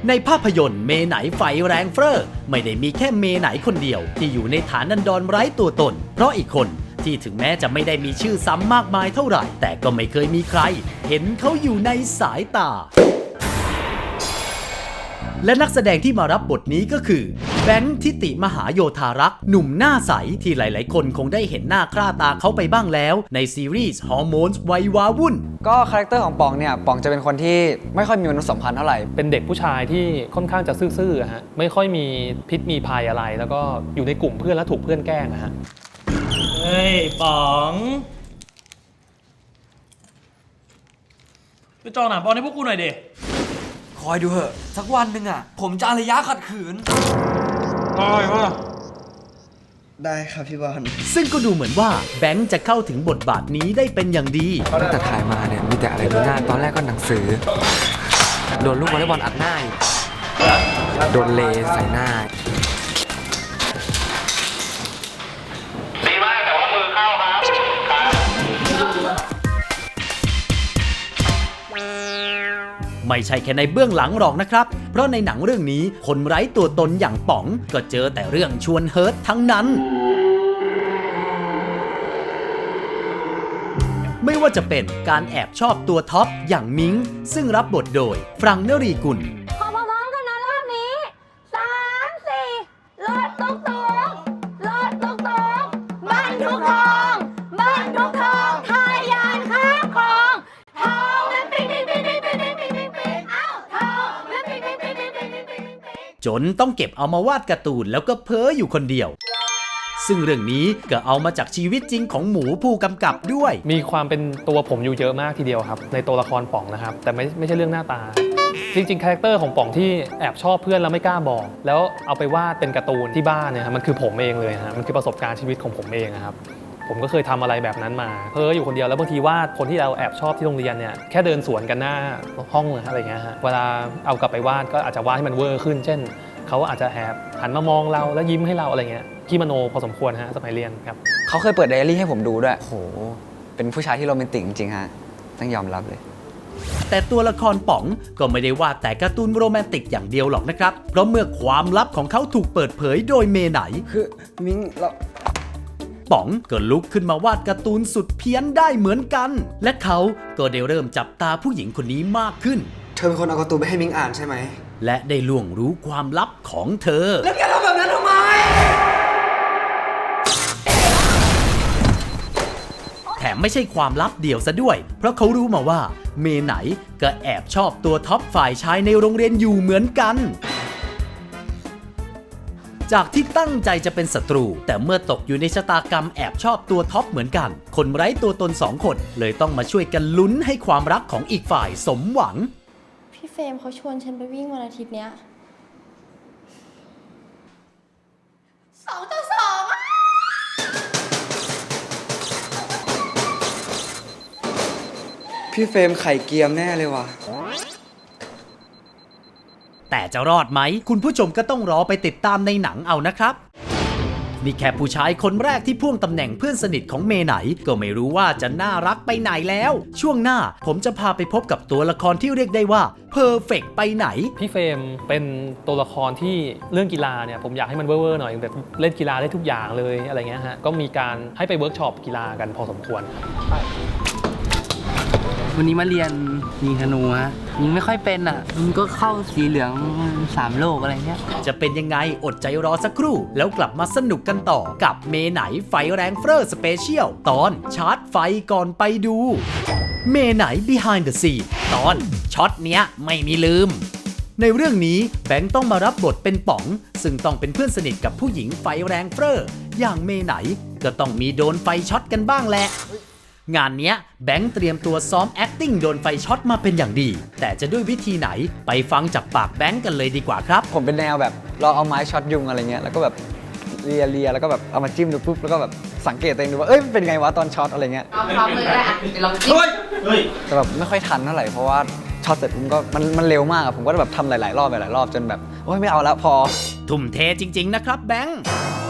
ในภาพยนตร์เมไหนไฟแรงเฟ้อไม่ได้มีแค่เมไหนคนเดียวที่อยู่ในฐานันดรไร้ตัวตนเพราะอีกคนที่ถึงแม้จะไม่ได้มีชื่อซ้ำมากมายเท่าไหร่แต่ก็ไม่เคยมีใครเห็นเขาอยู่ในสายตาและนักแสดงที่มารับบทนี้ก็คือแบงค์ทิติมหาโยธารักษ์หนุ่มหน้าใสที่หลายๆคนคงได้เห็นหน้าค่าตาเขาไปบ้างแล้วในซีรีส์ฮอร์โมนส์วัยวาวุ่นก็คาแรคเตอร์ของป๋องเนี่ยป๋องจะเป็นคนที่ไม่ค่อยมีมนุษยสัมพันธ์เท่าไหร่เป็นเด็กผู้ชายที่ค่อนข้างจะซื่อๆฮะไม่ค่อยมีพิษมีภัยอะไรแล้วก็อยู่ในกลุ่มเพื่อนแล้วถูกเพื่อนแกล้งฮะเฮ้ยป๋องไปจองหนังบอลให้พวกกูหน่อยดิคอยดูเหอะสักวันหนึ่งอ่ะผมจะอารยะขัดขืนได้ครับพี่บอลซึ่งก็ดูเหมือนว่าแบงค์จะเข้าถึงบทบาทนี้ได้เป็นอย่างดีตั้งแต่ถ่ายมาเนี่ยมีแต่อะไรดูหน้าตอนแรกก็หนังสือโดนลูกวอลเลย์บอลอัดหน้าโดนเลใส่หน้าดีมากแต่ว่ามือเข้าครับไม่ใช่แค่ในเบื้องหลังหรอกนะครับเพราะในหนังเรื่องนี้คนไร้ตัวตนอย่างป๋องก็เจอแต่เรื่องชวนเฮิร์ตทั้งนั้นไม่ว่าจะเป็นการแอบชอบตัวท็อปอย่างมิ้งซึ่งรับบทโดยฟรังค์นรีกุลพร้อมๆกันนะรอบนี้3 4รถตุ๊กรถตุ๊กบ้านทุกทองทายานข้ามคลองทองนั้นปิ๊งอ้าวทองนั้นปิ๊งจนต้องเก็บเอามาวาดการ์ตูนแล้วก็เพ้ออยู่คนเดียวซึ่งเรื่องนี้ก็เอามาจากชีวิตจริงของหมูผู้กำกับด้วยมีความเป็นตัวผมอยู่เยอะมากทีเดียวครับในตัวละครป๋องนะครับแต่ไม่ใช่เรื่องหน้าตาจริงๆคาแรคเตอร์ของป๋องที่แอบชอบเพื่อนแล้วไม่กล้าบอกแล้วเอาไปวาดเป็นการ์ตูนที่บ้านเนี่ยมันคือผมเองเลยฮะมันคือประสบการณ์ชีวิตของผมเองนะครับผมก็เคยทำอะไรแบบนั้นมาเพ้ออยู่คนเดียวแล้วบางทีวาดคนที่เราแอบชอบที่โรงเรียนเนี่ยแค่เดินสวนกันหน้าห้องอะไรเงี้ยฮะเวลาเอากลับไปวาดก็อาจจะวาดให้มันเวอร์ขึ้นเช่นเขาอาจจะแอบหันมามองเราแล้วยิ้มให้เราอะไรเงี้ยขี้มโนพอสมควรฮะสมัยเรียนครับเขาเคยเปิดไดอารี่ให้ผมดูด้วยโหเป็นผู้ชายที่โรแมนติกจริงๆฮะต้องยอมรับเลยแต่ตัวละครป๋องก็ไม่ได้วาดแต่การ์ตูนโรแมนติกอย่างเดียวหรอกนะครับเพราะเมื่อความลับของเขาถูกเปิดเผยโดยเมไหนคือมิ้งเราป๋องก็ลุกขึ้นมาวาดการ์ตูนสุดเพี้ยนได้เหมือนกันและเขาก็ได้เริ่มจับตาผู้หญิงคนนี้มากขึ้นเธอเป็นคนเอาการ์ตูนไปให้มิ้งอ่านใช่ไหมและได้ล่วงรู้ความลับของเธอแล้วแกทำแบบนั้นทำไมแถมไม่ใช่ความลับเดียวซะด้วยเพราะเขารู้มาว่าเมไหนก็แอบชอบตัวท็อปฝ่ายชายในโรงเรียนอยู่เหมือนกันจากที่ตั้งใจจะเป็นศัตรูแต่เมื่อตกอยู่ในชะตากรรมแอบชอบตัวท็อปเหมือนกันคนไร้ตัวตน2 คนเลยต้องมาช่วยกันลุ้นให้ความรักของอีกฝ่ายสมหวังพี่เฟรมเขาชวนฉันไปวิ่งวันอาทิตย์เนี้ย2 ต่อ 2อ่ะพี่เฟรมไข่เกียมแน่เลยว่ะแต่จะรอดไหมคุณผู้ชมก็ต้องรอไปติดตามในหนังเอานะครับนี่แค่ผู้ชายคนแรกที่พ่วงตำแหน่งเพื่อนสนิทของเมไหนก็ไม่รู้ว่าจะน่ารักไปไหนแล้วช่วงหน้าผมจะพาไปพบกับตัวละครที่เรียกได้ว่าเพอร์เฟกต์ไปไหนพี่เฟรมเป็นตัวละครที่เรื่องกีฬาเนี่ยผมอยากให้มันเวอร์ๆหน่อยแบบเล่นกีฬาได้ทุกอย่างเลยอะไรเงี้ยฮะก็มีการให้ไปเวิร์กช็อปกีฬากันพอสมควรวันนี้มาเรียนยิงธนูฮะยิงไม่ค่อยเป็นอ่ะมันก็เข้าสีเหลือง3 โลกอะไรเงี้ยจะเป็นยังไงอดใจรอสักครู่แล้วกลับมาสนุกกันต่อกับเมไหนไฟแรงเฟ้อสเปเชียลตอนชาร์จไฟก่อนไปดูเมไหน behind the scene ตอนช็อตเนี้ยไม่มีลืมในเรื่องนี้แบงค์ต้องมารับบทเป็นป๋องซึ่งต้องเป็นเพื่อนสนิทกับผู้หญิงไฟแรงเฟ้ออย่างเมไหนก็ต้องมีโดนไฟช็อตกันบ้างแหละงานเนี้ยแบงค์เตรียมตัวซ้อม acting โดนไฟช็อตมาเป็นอย่างดีแต่จะด้วยวิธีไหนไปฟังจากปากแบงค์กันเลยดีกว่าครับผมเป็นแนวแบบเราเอาไม้ช็อตยุงอะไรเงี้ยแล้วก็แบบเลียแล้วก็แบบเอามาจิ้มดูปุ๊บแล้วก็แบบสังเกตตัวเองดูว่าเอ้ยเป็นไงวะตอนช็อตอะไรเงี้ยพร้อมเลยก็ได้ลองจิ้มแต่แบบไม่ค่อยทันเท่าไหร่เพราะว่าช็อตเสร็จมันเร็วมากผมก็แบบทำหลายๆรอบจนแบบโอ้ยไม่เอาแล้วพอทุ่มเทจริงๆนะครับแบงค์